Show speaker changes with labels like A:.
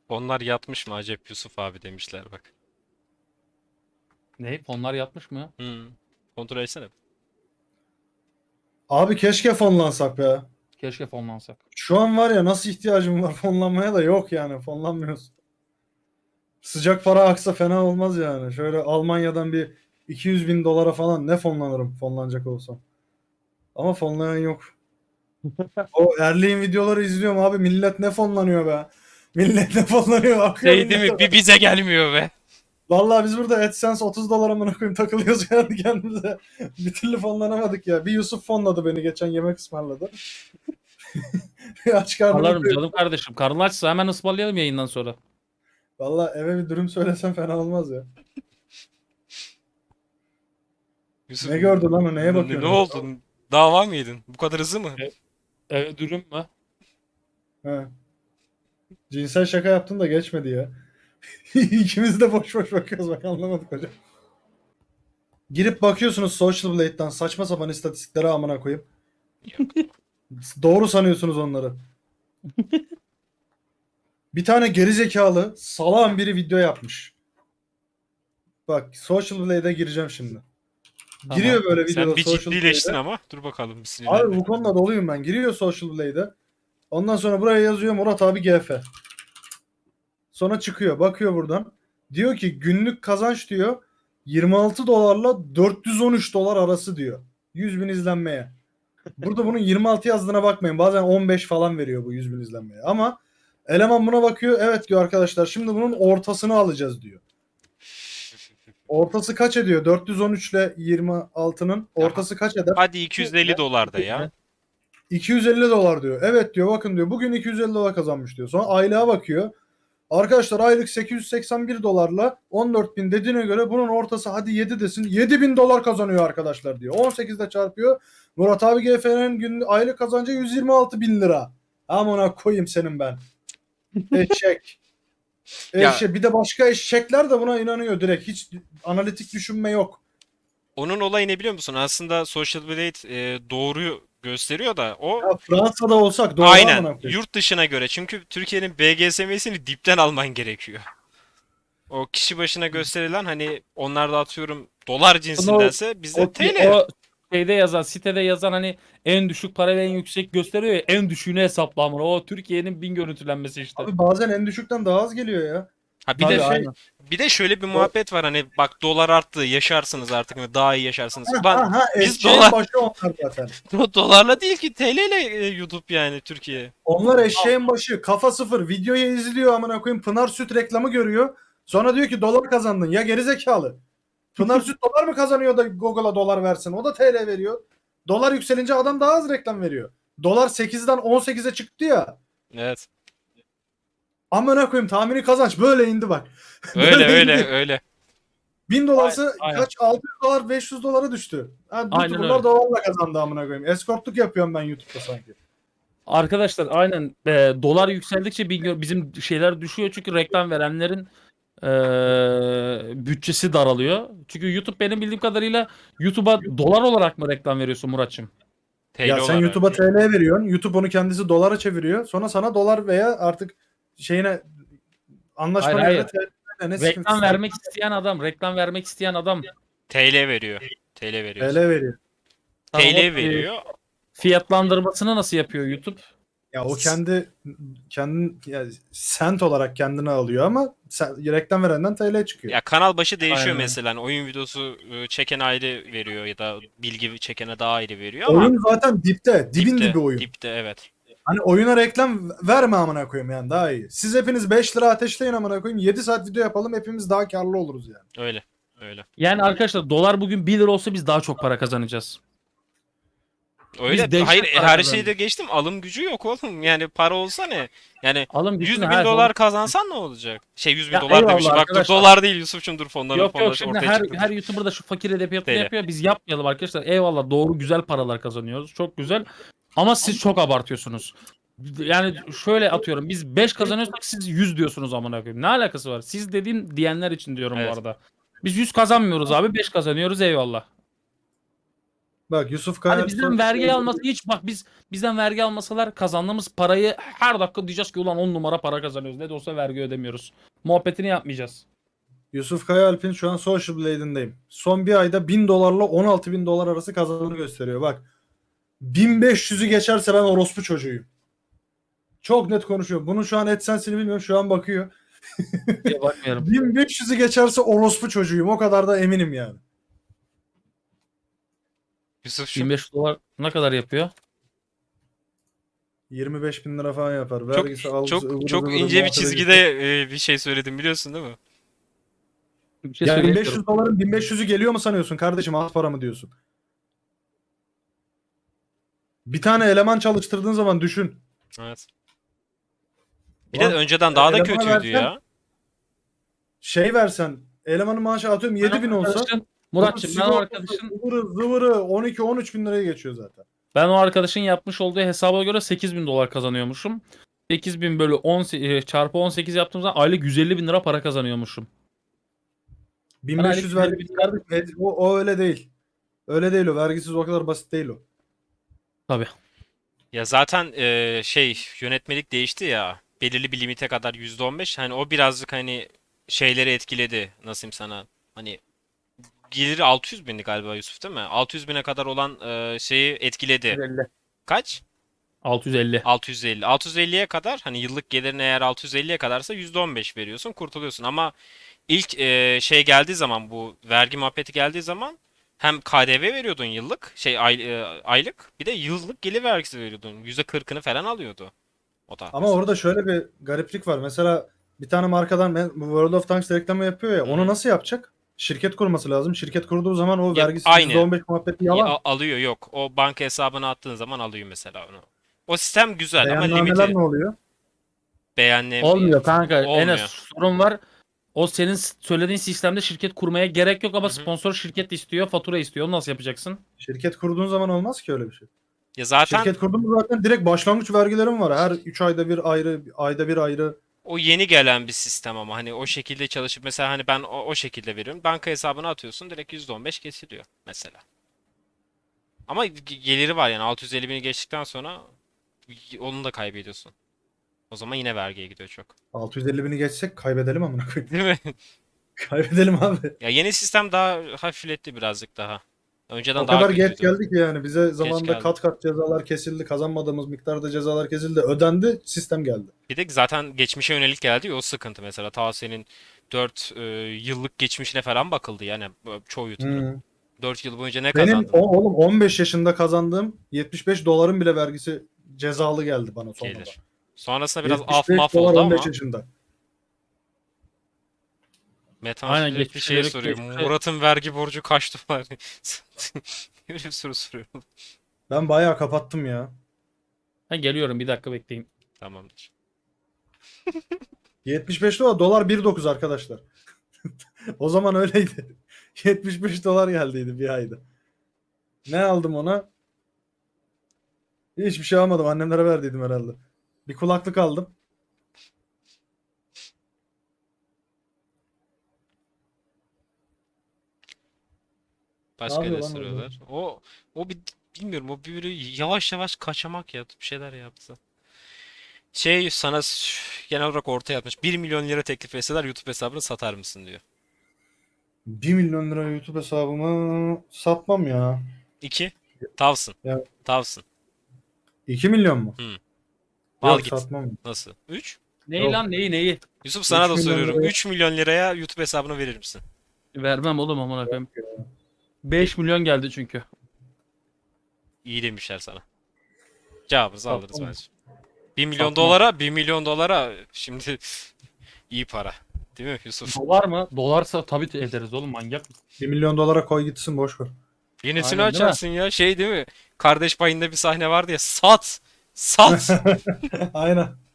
A: Onlar yatmış mı Acep Yusuf abi demişler bak.
B: Ne? Fonlar yatmış mı?
A: Hmm. Kontrol etsene.
C: Abi keşke fonlansak ya.
B: Keşke fonlansak.
C: Şu an var ya nasıl ihtiyacım var fonlanmaya da yok yani fonlanmıyoruz. Sıcak para aksa fena olmaz yani. Şöyle Almanya'dan bir 200 bin dolara falan ne fonlanırım fonlanacak olsam. Ama fonlayan yok. O Erli'nin videoları izliyorum abi millet ne fonlanıyor be. Millet ne fonlanıyor akıyor
A: Şey değil
C: millete.
A: mi? Bir bize gelmiyor be.
C: Vallahi biz burada AdSense 30 dolara amına koyayım takılıyoruz yani kendimize. Bir türlü fonlanamadık ya. Bir Yusuf fonladı beni geçen yemek ısmarladı. Aç karnına
B: Alırım
C: doyuyor.
B: canım kardeşim. Karnın açsa hemen ısmarlayalım yayından sonra.
C: Vallahi eve bir dürüm söylesem fena olmaz ya.
A: Yusuf
C: Ne gördün lan o neye
A: ne
C: bakıyorsun?
A: oldu? Dava mı yedin? Bu kadar hızlı mı?
B: Dürüm mü?
C: He. Cinsel şaka yaptın da geçmedi ya. İkimiz de boş boş bakıyoruz bak anlamadık hocam. Girip bakıyorsunuz Social Blade'den saçma sapan istatistiklere amına koyayım. Doğru sanıyorsunuz onları. Bir tane gerizekalı salağın biri video yapmış. Bak Social Blade'e gireceğim şimdi.
B: Tamam.
C: Giriyor böyle
A: Sen
C: videoda
A: bir
C: Social
A: ciddileştin
C: Blade'e.
A: ama. Dur bakalım bir
C: Abi
A: sinirlenme.
C: bu konuda doluyum ben. Giriyor Social Blade'e. Ondan sonra buraya yazıyor Murat abi GF. Sonra çıkıyor. Bakıyor buradan. Diyor ki günlük kazanç diyor 26 dolarla 413 dolar arası diyor. 100 bin izlenmeye. Burada bunun 26 yazdığına bakmayın. Bazen 15 falan veriyor bu 100 bin izlenmeye. Ama eleman buna bakıyor. Evet diyor arkadaşlar şimdi bunun ortasını alacağız diyor. Ortası kaç ediyor? 413 ile 26'nın ortası kaç eder?
A: Hadi 250 dolar da ya.
C: 250 dolar diyor. Evet diyor bakın diyor bugün 250 dolar kazanmış diyor. Sonra aylığa bakıyor. Arkadaşlar aylık 881 dolarla 14 bin dediğine göre bunun ortası hadi 7 desin. 7 bin dolar kazanıyor arkadaşlar diyor. 18'de çarpıyor. Murat abi GF'nin günlük aylık kazancı 126 bin lira. Amına koyayım senin ben. Eşek.
A: Ya
C: Bir de başka eşekler de buna inanıyor direkt. Hiç analitik düşünme yok.
A: onun olayı ne biliyor musun? Aslında Social Blade doğruyu gösteriyor da o
C: Ya Fransa'da olsak doğru
A: aynen
C: amına koyayım.
A: yurt dışına göre. Çünkü Türkiye'nin BGSM'sini dipten alman gerekiyor. O kişi başına gösterilen hani onlar da atıyorum dolar
B: Bunu
A: cinsindense bizde
B: o,
A: TL.
B: o şeyde yazan, sitede yazan hani en düşük para ve en yüksek gösteriyor ya, en düşüğünü hesapla amına. O Türkiye'nin 1000 görüntülenmesi işte.
C: Abi bazen en düşükten daha az geliyor ya.
A: Ha bir
C: Bir
A: de
C: de
B: Tabii
C: şey
B: aynen.
A: bir de şöyle bir
C: o,
A: muhabbet var hani bak dolar arttı yaşarsınız artık daha iyi yaşarsınız. Ulan
C: ha,
A: biz
C: eşeğin başı onlar zaten.
A: dolarla değil ki TL ile YouTube yani Türkiye.
C: Onlar eşeğin başı. Kafa sıfır. Videoyu izliyor amına koyayım. Pınar Süt reklamı görüyor. Sonra diyor ki dolar kazandın. Ya gerizekalı. Pınar Süt dolar mı kazanıyor da Google'a dolar versin? O da TL veriyor. Dolar yükselince adam daha az reklam veriyor. Dolar 8'den 18'e çıktı ya.
A: Evet.
C: Amına koyayım tahmini kazanç böyle indi bak.
A: Öyle
C: Böyle
A: öyle
C: indi.
A: öyle.
C: 1000 dolarsa
B: Aynen.
C: kaç 600 dolar 500 dolara düştü. Ha,
B: Aynen
C: YouTuber'lar
B: öyle.
C: dolarla kazandı amına koyayım. Eskortluk yapıyorum ben YouTube'da sanki.
B: Arkadaşlar aynen dolar yükseldikçe bizim şeyler düşüyor çünkü reklam verenlerin bütçesi daralıyor. Çünkü YouTube benim bildiğim kadarıyla YouTube'a dolar olarak mı reklam veriyorsun Muratçım?
A: TL
C: Ya sen
A: olarak.
C: YouTube'a TL veriyorsun. YouTube onu kendisi dolara çeviriyor. Sonra sana dolar veya artık şeyine
B: Hayır
C: anlaşmana
B: hayır.
C: göre TL ne
B: Reklam
C: sıkıntısı var?
B: vermek isteyen adam, reklam vermek isteyen adam.
A: TL veriyor. TL
C: TL
A: veriyorsun.
C: veriyor.
B: Tamam,
A: TL veriyor.
B: fiyatlandırmasını nasıl yapıyor YouTube?
C: Ya o kendin yani sent olarak kendine alıyor ama reklam verenden TL çıkıyor.
A: Ya kanal başı değişiyor
B: Aynen.
A: mesela. Hani oyun videosu çeken ayrı veriyor ya da bilgi çekene daha ayrı veriyor ama
C: Oyun zaten dipte. Dibin
A: dipte,
C: dibi oyun.
A: dipte evet.
C: Hani oyuna reklam verme amına koyayım yani daha iyi. Siz hepiniz 5 lira ateşleyin amına koyayım. 7 saat video yapalım hepimiz daha karlı oluruz yani.
A: Öyle. Öyle.
B: Yani arkadaşlar dolar bugün 1 lira olsa biz daha çok para kazanacağız.
A: Öyle.
B: dehşet
A: Hayır
B: para
A: her
B: kazanacağız.
A: şeyi de geçtim. Alım gücü yok oğlum. Yani para olsa ne? Yani
B: Alım
A: 100
B: gücünü
A: bin
B: her
A: dolar
B: zaman.
A: kazansan ne olacak? Şey 100 bin
B: Ya
A: dolar demişim.
B: eyvallah
A: Bak dur
B: arkadaşlar.
A: dolar değil Yusuf'cum dur fonların
B: Yok
A: fonları
B: şimdi
A: ortaya
B: her
A: çıktı.
B: her YouTuber da şu fakir edebiyatını
A: TL.
B: yapıyor. Biz yapmayalım arkadaşlar. Eyvallah doğru güzel paralar kazanıyoruz. Çok güzel. Ama siz çok abartıyorsunuz. Yani şöyle atıyorum. Biz 5 kazanıyorsak siz 100 diyorsunuz amına koyayım. Ne alakası var? Siz dediğim diyenler için diyorum bu
A: Evet.
B: arada. Biz 100 kazanmıyoruz abi. 5 kazanıyoruz eyvallah.
C: Bak Yusuf Kaya
B: Hani bizden vergi alması hiç bak bizden vergi almasalar kazandığımız parayı her dakika diyeceğiz ki ulan 10 numara para kazanıyoruz. Ne de olsa vergi ödemiyoruz. Muhabbetini yapmayacağız.
C: Yusuf Kaya Alp'in şu an Social Blade'indeyim. Son bir ayda 1000 dolarla 16 bin dolar arası kazandığını gösteriyor. Bak 1500'ü geçerse ben orospu çocuğuyum. Çok net konuşuyorum. Bunun şu an AdSense'ini bilmiyorum. Şu an bakıyor.
B: Diye bakmıyorum.
C: 1500'ü geçerse orospu çocuğuyum. O kadar da eminim yani.
A: Yusuf şu
B: 25 dolar ne kadar yapıyor?
C: 25 bin lira falan yapar.
A: çok
C: Vergisi algısı ıvırı
A: çok
C: zıvırı
A: ince bir
C: muhabbete
A: çizgide
C: gitti.
A: bir şey söyledim biliyorsun değil mi?
B: Bir şey
C: Ya
B: söyleyemiyorum.
C: 1500 doların 1500'ü geliyor mu sanıyorsun kardeşim? Az para mı diyorsun? Bir tane eleman çalıştırdığın zaman düşün.
A: Evet. Bir de
C: Ulan,
A: önceden daha da
C: elemana
A: kötüydü
C: versen-
A: ya.
C: Şey versen elemanın maaşı atıyorum 7 bin olsa
B: Muratçım ben o
C: sigortası,
B: arkadaşın
C: zıvırı 12-13 bin liraya geçiyor zaten.
B: ben o arkadaşın yapmış olduğu hesaba göre 8.000 dolar kazanıyormuşum. 8.000 bölü 10 çarpı 18 yaptığım zaman aylık 150 bin lira para kazanıyormuşum.
C: 1500
B: aylık
C: vergisi kardeşim. O öyle değil. Öyle değil o. Vergisiz o kadar basit değil o.
B: Tabii.
A: Ya zaten yönetmelik değişti ya. Belirli bir limite kadar %15. Hani o birazcık hani şeyleri etkiledi. Nasıl diyeyim sana? Hani geliri 600 bindi galiba Yusuf değil mi? 600 bine kadar olan şeyi etkiledi.
B: 650.
A: Kaç?
B: 650.
A: 650. 650'ye kadar hani yıllık gelirin eğer 650'ye kadarsa %15 veriyorsun, kurtuluyorsun. Ama ilk şey geldiği zaman, bu vergi muhabbeti geldiği zaman hem KDV veriyordun yıllık, aylık, bir de yıllık gelir vergisi veriyordun. %40'ını falan alıyordu o da
C: Ama
A: mesela.
C: orada şöyle bir gariplik var. Mesela bir tane markadan bu World of Tanks reklamı yapıyor ya. Onu nasıl yapacak? Şirket kurması lazım. Şirket kurduğu zaman o
A: Ya,
C: vergisi
A: aynı.
C: %15 muhabbeti yalan.
A: Alıyor, yok. O banka hesabına attığın zaman alıyor mesela onu. O sistem güzel ama
C: Beyannameler
A: limiti
C: ne oluyor?
B: Olmuyor kanka. Enes
A: olmuyor.
B: sorun var. O senin söylediğin sistemde şirket kurmaya gerek yok ama
A: Hı hı.
B: sponsor şirket istiyor, fatura istiyor. Onu nasıl yapacaksın?
C: Şirket kurduğun zaman olmaz ki öyle bir şey.
A: Ya zaten
C: Şirket kurdun mu zaten direkt başlangıç vergilerim var. Her 3 ayda bir ayrı, ayda bir ayrı.
A: o yeni gelen bir sistem ama hani o şekilde çalışıp mesela hani ben o şekilde veriyorum. Banka hesabına atıyorsun, direkt %15 kesiliyor mesela. Ama geliri var yani 650 bini geçtikten sonra onu da kaybediyorsun. O zaman yine vergiye gidiyor çok.
C: 650 bini geçsek kaybedelim amına koyayım.
A: Değil mi?
C: Kaybedelim abi.
A: Ya yeni sistem daha hafifletti birazcık daha. Önceden
C: O
A: daha
C: kadar geç
A: kötüydü.
C: geldi ki yani bize zamanında
A: geldi.
C: kat kat cezalar kesildi. Kazanmadığımız miktarda cezalar kesildi. Ödendi. Sistem geldi.
A: Bir de zaten geçmişe yönelik geldi ya, o sıkıntı mesela. Ta senin 4 yıllık geçmişine falan bakıldı yani çoğu YouTuber'ın.
C: Hmm.
A: 4 yıl boyunca ne
C: Benim
A: kazandın?
C: oğlum 15 yaşında kazandığım 75 doların bile vergisi cezalı geldi bana sonunda.
A: Gelir. Sonrasında biraz af
C: 75
A: maf
C: dolar
A: oldu
C: 15
A: ama
C: yaşında.
A: Metan
B: Aynen,
A: sürekli
B: geçmişe
A: şey
B: yönelik
A: soruyor.
B: geçmişe-
A: Murat'ın vergi borcu kaç dolar? Öyle bir soru soruyorum.
C: Ben bayağı kapattım ya.
B: Ben geliyorum, bir dakika bekleyin.
A: Tamamdır.
C: 75 dolar 1.9 arkadaşlar. O zaman öyleydi. 75 dolar geldiydi bir ayda. Ne aldım ona? Hiçbir şey almadım. Annemlere verdiydim herhalde. Bir kulaklık aldım.
A: Başka
C: yapıyor
A: ne
C: lan orada?
A: soruyorlar? O bir bilmiyorum, o bir böyle yavaş yavaş kaçamak yaptı, bir şeyler yaptı. Sana genel olarak ortaya atmış. 1 milyon lira teklif etseler YouTube hesabını satar mısın diyor.
C: 1 milyon lira YouTube hesabımı satmam ya.
A: 2. Tavsın.
C: Ya
A: Tavsın.
C: 2 milyon mu?
A: Al
C: Yok
A: git.
C: satmam.
A: Nasıl? 3.
B: Neyi
C: Yok.
B: lan neyi?
A: Yusuf, sana
C: 3
A: da
C: milyon
A: soruyorum.
C: liraya-
A: 3 milyon liraya YouTube hesabını verir misin?
B: Vermem oğlum amına koyayım. 5 milyon geldi çünkü.
A: İyi demişler sana. Cevabınızı alırız
B: Satmam.
A: bence. 1 milyon
B: Satmam.
A: dolara 1 milyon dolara şimdi iyi para. Değil mi Yusuf?
B: Dolar mı? Dolarsa tabii ederiz oğlum, manyak mısın?
C: 1 milyon dolara koy gitsin boş ver.
A: Yenisini
B: Aynen, değil mi?
A: açarsın ya, değil mi? Kardeş Payı'nda bir sahne vardı ya, sat! Sat!
C: Aynen.